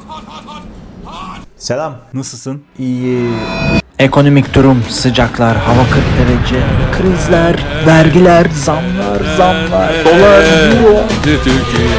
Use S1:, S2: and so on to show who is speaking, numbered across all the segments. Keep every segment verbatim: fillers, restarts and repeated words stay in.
S1: Selam, nasılsın?
S2: İyi. Ekonomik durum, sıcaklar, hava kırk derece, krizler, vergiler, zamlar, zamlar, dolar, euro.
S3: Türkiye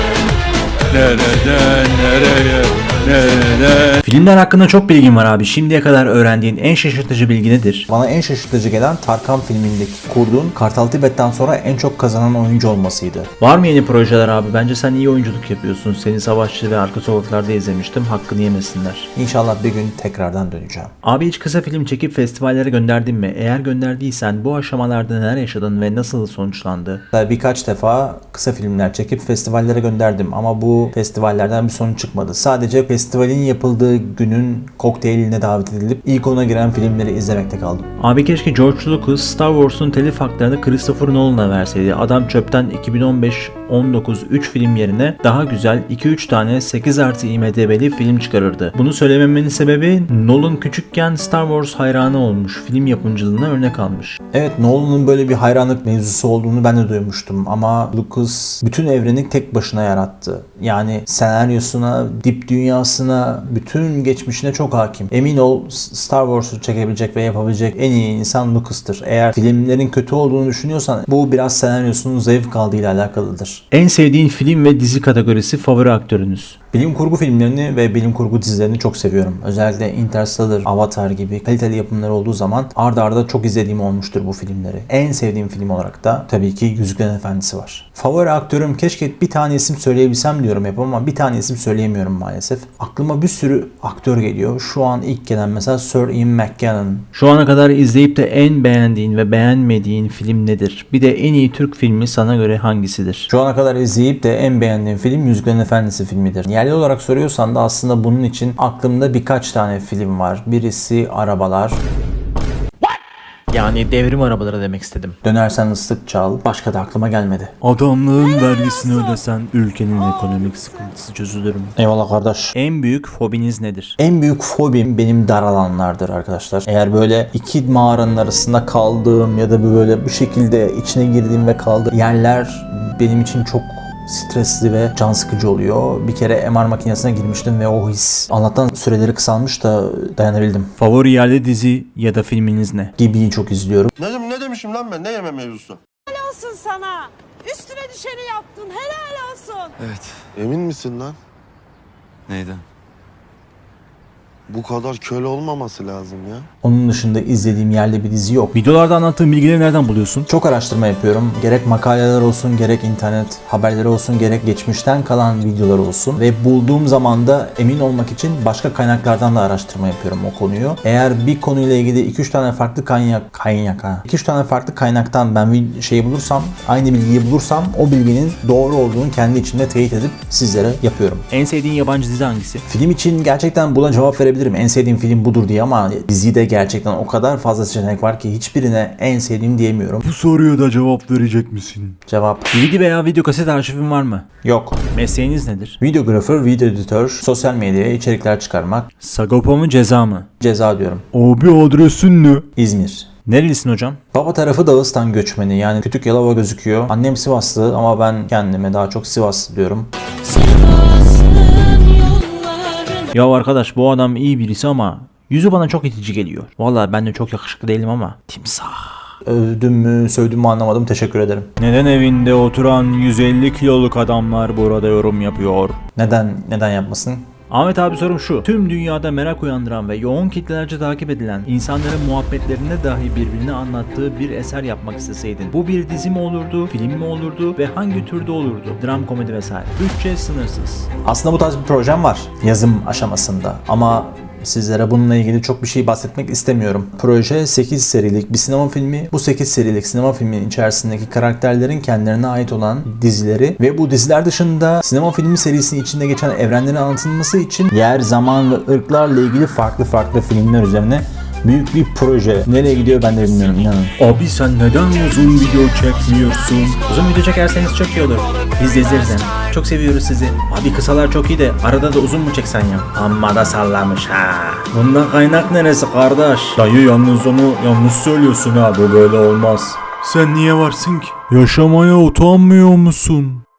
S3: nereden nereye nereden?
S2: Filmler hakkında çok bilgin var abi. Şimdiye kadar öğrendiğin en şaşırtıcı bilgi nedir?
S1: Bana en şaşırtıcı gelen Tarkan filmindeki kurduğun Kartal Tibet'ten sonra en çok kazanan oyuncu olmasıydı.
S2: Var mı yeni projeler abi? Bence sen iyi oyunculuk yapıyorsun. Seni Savaşçı ve Arka Sokaklar'da izlemiştim. Hakkını yemesinler.
S1: İnşallah bir gün tekrardan döneceğim.
S2: Abi hiç kısa film çekip festivallere gönderdin mi? Eğer gönderdiysen bu aşamalarda neler yaşadın ve nasıl sonuçlandı?
S1: Birkaç defa kısa filmler çekip festivallere gönderdim ama bu festivallerden bir sonuç çıkmadı. Sadece festivalin yapıldığı günün kokteyline davet edilip ilk ona giren filmleri izlemekte kaldım.
S2: Abi keşke George Lucas Star Wars'un telif haklarını Christopher Nolan'a verseydi. Adam çöpten iki bin on beş on dokuz üç film yerine daha güzel iki üç tane sekiz artı I M D B'li film çıkarırdı. Bunu söylememenin sebebi Nolan küçükken Star Wars hayranı olmuş. Film yapımcılığına örnek almış.
S1: Evet, Nolan'ın böyle bir hayranlık mevzusu olduğunu ben de duymuştum ama Lucas bütün evreni tek başına yarattı. Yani senaryosuna, dip dünyasına, bütün geçmişine çok hakim. Emin ol Star Wars'u çekebilecek ve yapabilecek en iyi insan Lucas'tır. Eğer filmlerin kötü olduğunu düşünüyorsan bu biraz senaryosunun zayıf kaldığıyla alakalıdır.
S2: En sevdiğin film ve dizi kategorisi favori aktörünüz?
S1: Bilim kurgu filmlerini ve bilim kurgu dizilerini çok seviyorum. Özellikle Interstellar, Avatar gibi kaliteli yapımlar olduğu zaman arda arda çok izlediğim olmuştur bu filmleri. En sevdiğim film olarak da tabii ki Yüzüklerin Efendisi var. Favori aktörüm, keşke bir tane isim söyleyebilsem diyorum hep ama bir tane isim söyleyemiyorum maalesef. Aklıma bir sürü aktör geliyor. Şu an ilk gelen mesela Sir Ian McKellen.
S2: Şu ana kadar izleyip de en beğendiğin ve beğenmediğin film nedir? Bir de en iyi Türk filmi sana göre hangisidir?
S1: Şu ana kadar izleyip de en beğendiğim film Yüzüklerin Efendisi filmidir. Yerli olarak soruyorsan da aslında bunun için aklımda birkaç tane film var. Birisi Arabalar.
S2: Yani devrim arabaları demek istedim.
S1: Dönersen ıslık çal. Başka da aklıma gelmedi.
S2: Adamlığın vergisini ödesen ülkenin ekonomik sıkıntısı çözülür mü?
S1: Eyvallah kardeş.
S2: En büyük fobiniz nedir?
S1: En büyük fobim benim dar alanlardır arkadaşlar. Eğer böyle iki mağaranın arasında kaldığım ya da böyle bu şekilde içine girdiğim ve kaldığım yerler benim için çok stresli ve can sıkıcı oluyor. Bir kere M R makinesine girmiştim ve o his Allah'tan süreleri kısalmış da dayanabildim.
S2: Favori yerli dizi ya da filminiz ne?
S1: Gibi'yi çok izliyorum.
S4: Ne, ne demişim lan ben? Ne yeme mevzusu?
S5: Helal olsun sana. Üstüne düşeni yaptın. Helal olsun.
S4: Evet. Emin misin lan?
S3: Neyden?
S4: Bu kadar köle olmaması lazım ya.
S1: Onun dışında izlediğim yerli bir dizi yok.
S2: Videolarda anlattığın bilgileri nereden buluyorsun?
S1: Çok araştırma yapıyorum. Gerek makaleler olsun, gerek internet haberleri olsun, gerek geçmişten kalan videolar olsun. Ve bulduğum zaman da emin olmak için başka kaynaklardan da araştırma yapıyorum o konuyu. Eğer bir konuyla ilgili iki üç tane farklı kaynak, kaynak ha. iki üç tane farklı kaynaktan ben bir şeyi bulursam, aynı bilgiyi bulursam o bilginin doğru olduğunu kendi içimde teyit edip sizlere yapıyorum.
S2: En sevdiğin yabancı dizi hangisi?
S1: Film için gerçekten buna cevap verebilirim. En sevdiğim film budur diye ama dizide gerçekten o kadar fazla seçenek var ki hiçbirine en sevdiğim diyemiyorum.
S3: Bu soruya da cevap verecek misin?
S1: Cevap
S2: D V D veya video kaset arşivin var mı?
S1: yok.
S2: Mesleğiniz nedir?
S1: Videografer, video editör, sosyal medyaya içerikler çıkarmak,
S2: Sagopa mı ceza mı?
S1: ceza diyorum.
S3: Abi adresin ne?
S1: İzmir.
S2: Nerelisin hocam?
S1: Baba tarafı Dağıstan göçmeni, yani Kütük Yalova gözüküyor. Annem Sivaslı ama ben kendime daha çok Sivaslı diyorum.
S2: Ya arkadaş bu adam iyi birisi ama yüzü bana çok itici geliyor. Vallahi ben de çok yakışıklı değilim ama timsah.
S1: Övdüm mü, sövdüm mü anlamadım. Teşekkür ederim.
S2: Neden evinde oturan yüz elli kiloluk adamlar burada yorum yapıyor?
S1: Neden, neden yapmasın?
S2: Ahmet abi sorum şu. Tüm dünyada merak uyandıran ve yoğun kitlelerce takip edilen insanların muhabbetlerinde dahi birbirine anlattığı bir eser yapmak isteseydin. Bu bir dizi mi olurdu, film mi olurdu ve hangi türde olurdu? Dram, komedi vesaire. Bütçe sınırsız.
S1: Aslında bu tarz bir projem var. Yazım aşamasında ama sizlere bununla ilgili çok bir şey bahsetmek istemiyorum. Proje sekiz serilik bir sinema filmi. Bu sekiz serilik sinema filminin içerisindeki karakterlerin kendilerine ait olan dizileri ve bu diziler dışında sinema filmi serisinin içinde geçen evrenlerin anlatılması için yer, zaman ve ırklarla ilgili farklı farklı filmler üzerine büyük bir proje. Nereye gidiyor ben de bilmiyorum, inanın.
S2: Abi sen neden uzun video çekmiyorsun? Uzun video çekerseniz çok iyi olur. Biz de izleriz hem. Çok seviyoruz sizi. Abi kısalar çok iyi de arada da uzun mu çeksen ya? Amma da sallamış ha. Bunda kaynak neresi kardeş?
S3: Dayı yalnız onu yanlış söylüyorsun ha, bu böyle olmaz. Sen niye varsın ki? Yaşamaya utanmıyor musun?